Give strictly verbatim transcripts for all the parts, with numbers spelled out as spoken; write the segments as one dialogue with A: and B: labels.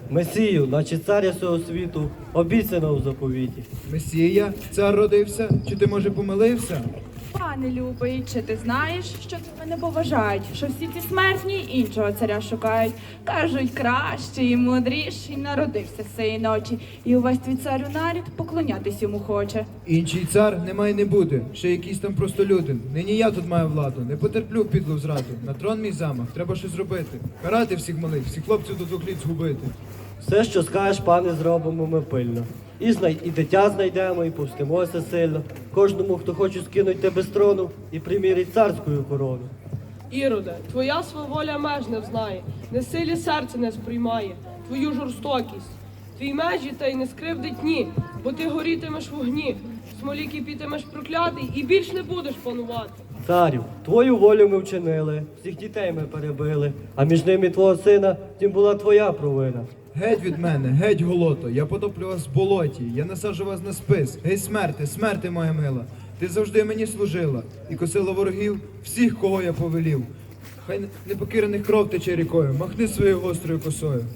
A: Месію, наче царя всього світу, обіцяно у заповіті.
B: Месія, цар родився, чи ти, може, помилився?
C: Пане любий, чи ти знаєш, що тебе не поважають, що всі ці смертні іншого царя шукають? Кажуть, кращий і мудріший народився з цієї ночі, і увесь твій царю нарід поклонятись йому хоче.
B: Інший цар немає не буде, ще якийсь там простолюдин. Нині я тут маю владу, не потерплю підлу зраду. На трон мій замах, треба щось робити. Карати всіх малих, всіх хлопців до двох літ згубити.
A: Все, що скажеш, пане, зробимо ми пильно. І знай, і дитя знайдемо, і повстимося сильно. Кожному, хто хоче скинуть тебе з трону, і примірить царську корону.
D: Іроде, твоя сваволя меж не взнає, не силі серце не сприймає, твою жорстокість. Твій межі та й не скривдить ні, бо ти горітимеш в огні, в смолі кипітимеш проклятий і більш не будеш панувати.
A: Царю, твою волю ми вчинили, всіх дітей ми перебили, а між ними твого сина, тим була твоя провина.
B: Геть від мене, геть голото, я потоплю вас в болоті, я насаджу вас на спис. Гей, смерти, смерти, моя мила, ти завжди мені служила і косила ворогів всіх, кого я повелів. Хай непокірених кров тече рікою, махни своєю гострою косою.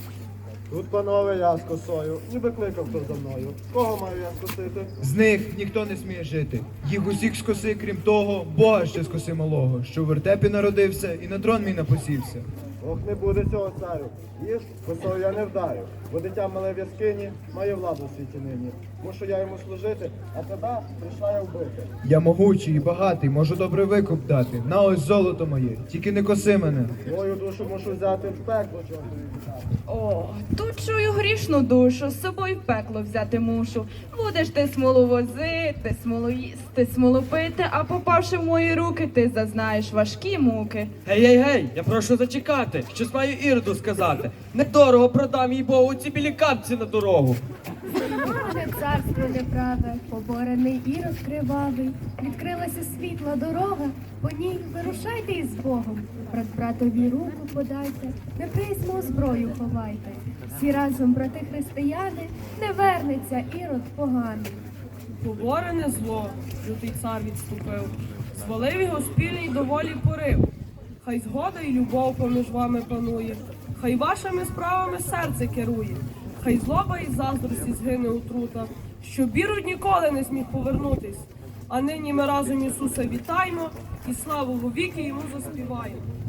E: Тут, панове, я з косою, ніби кликав хто за мною. Кого маю я скосити?
B: З них ніхто не сміє жити. Їх усіх скоси, крім того, Бога ще скоси малого, що в вертепі народився і на трон мій напосівся.
E: Ох, не буде цього царю. Їж, косою я не вдарю, бо дитя мале в яскині має владу в світі нині. Мушу я йому служити, а тебе прийшла я вбити.
B: Я могучий і багатий, можу добрий викуп дати. На ось золото моє, тільки не коси мене.
E: Твою душу мушу взяти в пекло, чого тобі віддати.
C: О, тут чую грішну душу, з собою в пекло взяти мушу. Будеш ти смолу возити, смолу їсти, смолу пити, а попавши в мої руки, ти зазнаєш важкі муки.
F: Гей, гей, гей, я прошу зачекати, щось маю Іроду сказати. Недорого продам їй Богу ці білі капці на дорогу.
G: Зруйноване царство неправе, поборений Ірод кривавий, відкрилася світла дорога, по ній вирушайте із Богом, брат братові руку подайте, неприязнь зброю ховайте, всі разом, брати християни, не вернеться Ірод поганий.
D: Поборене зло, лютий цар відступив, звалив його спільний доволі порив. Хай згода і любов поміж вами панує, хай вашими справами серце керує, хай злоба і заздрості згине отрута, щоб Ірод ніколи не зміг повернутись. А нині ми разом Ісуса вітаємо і славу вовіки йому заспіваємо.